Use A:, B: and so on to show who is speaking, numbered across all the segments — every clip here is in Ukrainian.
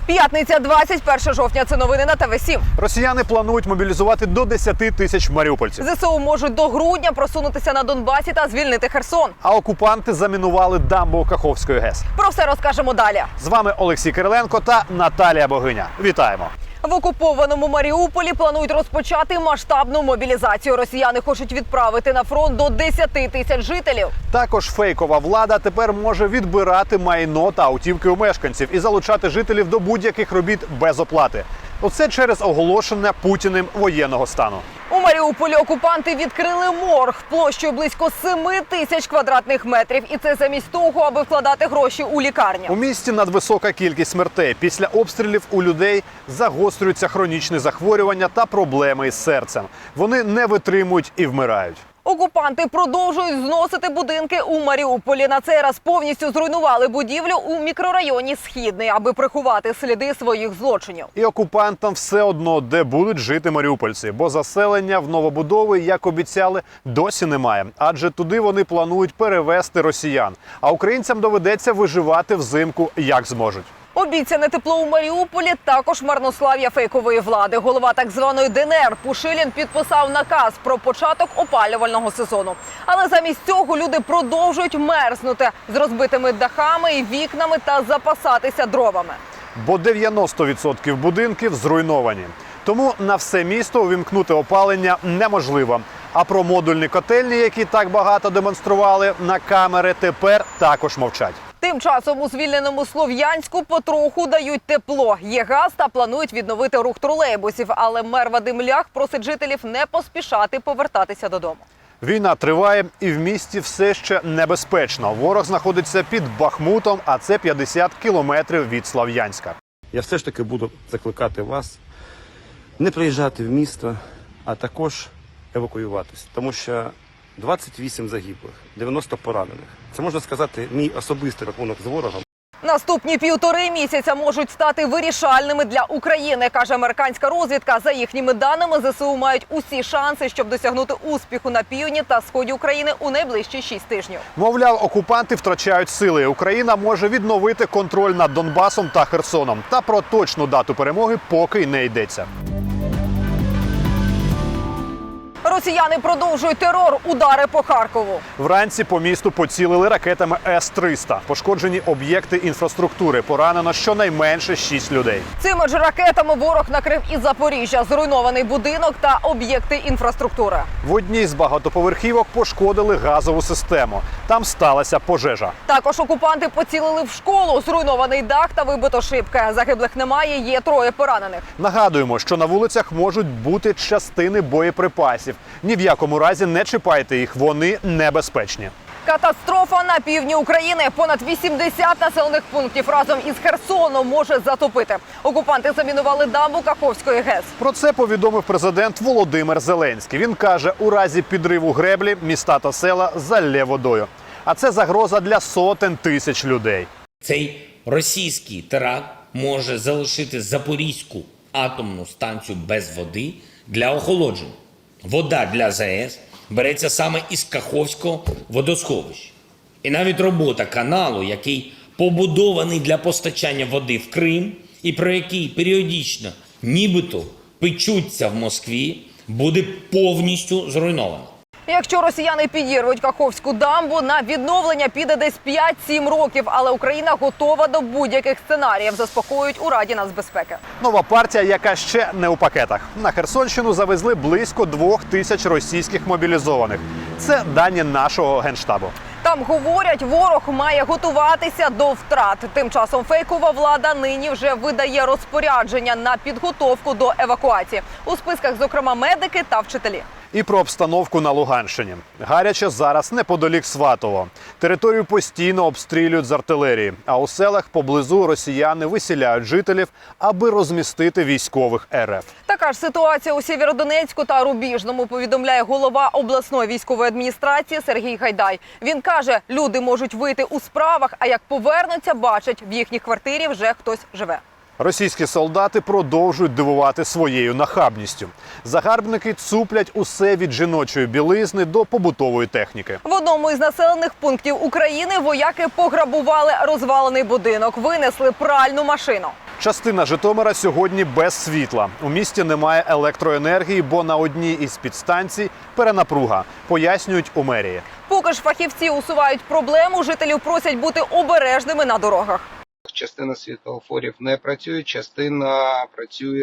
A: П'ятниця, 21 жовтня. Це новини на ТВ7.
B: Росіяни планують мобілізувати до 10 тисяч маріупольців.
A: ЗСУ можуть до грудня просунутися на Донбасі та звільнити Херсон.
B: А окупанти замінували дамбу Каховської ГЕС.
A: Про все розкажемо далі.
B: З вами Олексій Кириленко та Наталія Богиня. Вітаємо!
A: В окупованому Маріуполі планують розпочати масштабну мобілізацію. Росіяни хочуть відправити на фронт до 10 тисяч жителів.
B: Також фейкова влада тепер може відбирати майно та автівки у мешканців і залучати жителів до будь-яких робіт без оплати. Оце через оголошення Путіним воєнного стану.
A: У Маріуполі окупанти відкрили морг площею близько 7 тисяч квадратних метрів. І це замість того, аби вкладати гроші у лікарню.
B: У місті надвисока кількість смертей. Після обстрілів у людей загострюються хронічні захворювання та проблеми із серцем. Вони не витримують і вмирають.
A: Окупанти продовжують зносити будинки у Маріуполі. На цей раз повністю зруйнували будівлю у мікрорайоні Східний, аби приховати сліди своїх злочинів.
B: І окупантам все одно, де будуть жити маріупольці, бо заселення в новобудови, як обіцяли, досі немає. Адже туди вони планують перевезти росіян. А українцям доведеться виживати взимку, як зможуть.
A: Обіцяне тепло у Маріуполі також марнослав'я фейкової влади. Голова так званої ДНР Пушилін підписав наказ про початок опалювального сезону. Але замість цього люди продовжують мерзнути з розбитими дахами і вікнами та запасатися дровами.
B: Бо 90% будинків зруйновані. Тому на все місто увімкнути опалення неможливо. А про модульні котельні, які так багато демонстрували на камери, тепер також мовчать.
A: Тим часом у звільненому Слов'янську потроху дають тепло. Є газ та планують відновити рух тролейбусів. Але мер Вадим Лях просить жителів не поспішати повертатися додому.
B: Війна триває і в місті все ще небезпечно. Ворог знаходиться під Бахмутом, а це 50 кілометрів від Слов'янська.
C: Я все ж таки буду закликати вас не приїжджати в місто, а також евакуюватись. Тому що 28 загиблих, 90 поранених. Це, можна сказати, мій особистий рахунок з ворогом.
A: Наступні 1,5 місяця можуть стати вирішальними для України, каже американська розвідка. За їхніми даними, ЗСУ мають усі шанси, щоб досягнути успіху на півдні та сході України у найближчі 6 тижнів.
B: Мовляв, окупанти втрачають сили. Україна може відновити контроль над Донбасом та Херсоном. Та про точну дату перемоги поки й не йдеться.
A: Росіяни продовжують терор, удари по Харкову.
B: Вранці по місту поцілили ракетами С-300. Пошкоджені об'єкти інфраструктури. Поранено щонайменше 6 людей.
A: Цими ж ракетами ворог накрив і Запоріжжя, зруйнований будинок та об'єкти інфраструктури.
B: В одній з багатоповерхівок пошкодили газову систему. Там сталася пожежа.
A: Також окупанти поцілили в школу, зруйнований дах та вибито шибки. Загиблих немає, є 3 поранених.
B: Нагадуємо, що на вулицях можуть бути частини боєприпасів. Ні в якому разі не чіпайте їх, вони небезпечні.
A: Катастрофа на півдні України. Понад 80 населених пунктів разом із Херсоном може затопити. Окупанти замінували дамбу Каховської ГЕС.
B: Про це повідомив президент Володимир Зеленський. Він каже, у разі підриву греблі міста та села залє водою. А це загроза для сотень тисяч людей.
D: Цей російський теракт може залишити Запорізьку атомну станцію без води для охолодження. Вода для ЗАЕС береться саме із Каховського водосховища. І навіть робота каналу, який побудований для постачання води в Крим і про який періодично нібито печуться в Москві, буде повністю зруйнована.
A: Якщо росіяни підірвуть Каховську дамбу, на відновлення піде десь 5-7 років. Але Україна готова до будь-яких сценаріїв, заспокоюють у Раді нацбезпеки.
B: Нова партія, яка ще не у пакетах. На Херсонщину завезли близько 2000 російських мобілізованих. Це дані нашого Генштабу.
A: Там говорять, ворог має готуватися до втрат. Тим часом фейкова влада нині вже видає розпорядження на підготовку до евакуації. У списках, зокрема, медики та вчителі.
B: І про обстановку на Луганщині. Гаряче зараз неподалік Сватово. Територію постійно обстрілюють з артилерії, а у селах поблизу росіяни виселяють жителів, аби розмістити військових РФ.
A: Така ж ситуація у Сєвєродонецьку та Рубіжному, повідомляє голова обласної військової адміністрації Сергій Гайдай. Він каже, люди можуть вийти у справах, а як повернуться, бачать, в їхній квартирі вже хтось живе.
B: Російські солдати продовжують дивувати своєю нахабністю. Загарбники цуплять усе від жіночої білизни до побутової техніки.
A: В одному із населених пунктів України вояки пограбували розвалений будинок, винесли пральну машину.
B: Частина Житомира сьогодні без світла. У місті немає електроенергії, бо на одній із підстанцій перенапруга, пояснюють у мерії.
A: Поки ж фахівці усувають проблему, жителів просять бути обережними на дорогах.
E: Частина світлофорів не працює, частина працює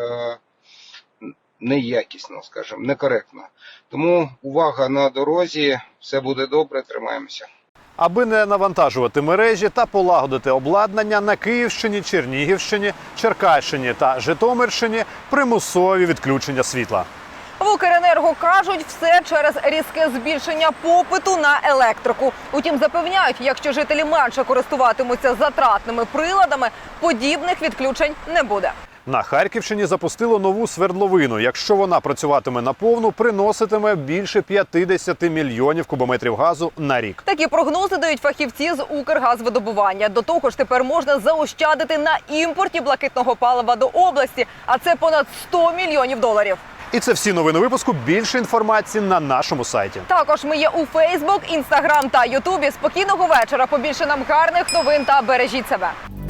E: неякісно, скажімо, некоректно. Тому увага на дорозі, все буде добре, тримаємося.
B: Аби не навантажувати мережі та полагодити обладнання, на Київщині, Чернігівщині, Черкащині та Житомирщині примусові відключення світла.
A: В Укренерго кажуть, все через різке збільшення попиту на електрику. Утім, запевняють, якщо жителі менше користуватимуться затратними приладами, подібних відключень не буде.
B: На Харківщині запустило нову свердловину. Якщо вона працюватиме наповну, приноситиме більше 50 мільйонів кубометрів газу на рік.
A: Такі прогнози дають фахівці з Укргазвидобування. До того ж, тепер можна заощадити на імпорті блакитного палива до області, а це понад 100 мільйонів доларів.
B: І це всі новини випуску. Більше інформації на нашому сайті.
A: Також ми є у Фейсбук, Інстаграм та Ютубі. Спокійного вечора. Побільше нам гарних новин та бережіть себе.